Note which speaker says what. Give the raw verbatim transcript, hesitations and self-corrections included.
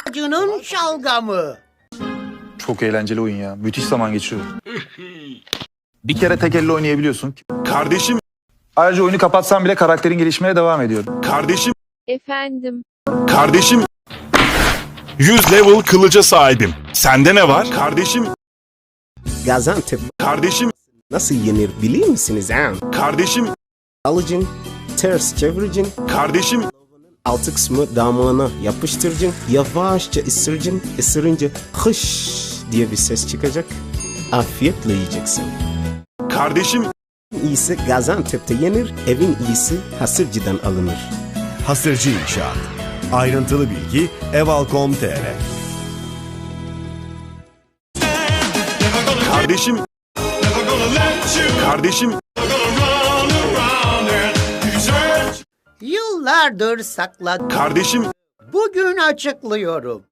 Speaker 1: Acının şalgamı.
Speaker 2: Çok eğlenceli oyun ya. Müthiş zaman geçiriyor. Bir kere tek elle oynayabiliyorsun.
Speaker 3: Kardeşim,
Speaker 2: Ayrıca oyunu kapatsan bile karakterin gelişmeye devam ediyor.
Speaker 3: kardeşim,
Speaker 4: Efendim,
Speaker 3: kardeşim. yüz level kılıca sahibim. Sende ne var? Kardeşim,
Speaker 5: Gaziantep
Speaker 3: kardeşim,
Speaker 5: nasıl yenir bilir misiniz ha?
Speaker 3: kardeşim,
Speaker 5: Alıcın, ters çeviricin,
Speaker 3: kardeşim,
Speaker 5: altı kısmı damağına yapıştırıcın, yavaşça ısırıcın, ısırınca hış diye bir ses çıkacak. Afiyetle yiyeceksin.
Speaker 3: kardeşim,
Speaker 5: İyisi Gaziantep'te yenir, evin iyisi Hasırcı'dan alınır.
Speaker 6: Hasırcı İnşaat. Ayrıntılı bilgi eval nokta com nokta tr.
Speaker 3: kardeşim, kardeşim,
Speaker 1: Yıllardır sakladım.
Speaker 3: kardeşim,
Speaker 1: Bugün açıklıyorum.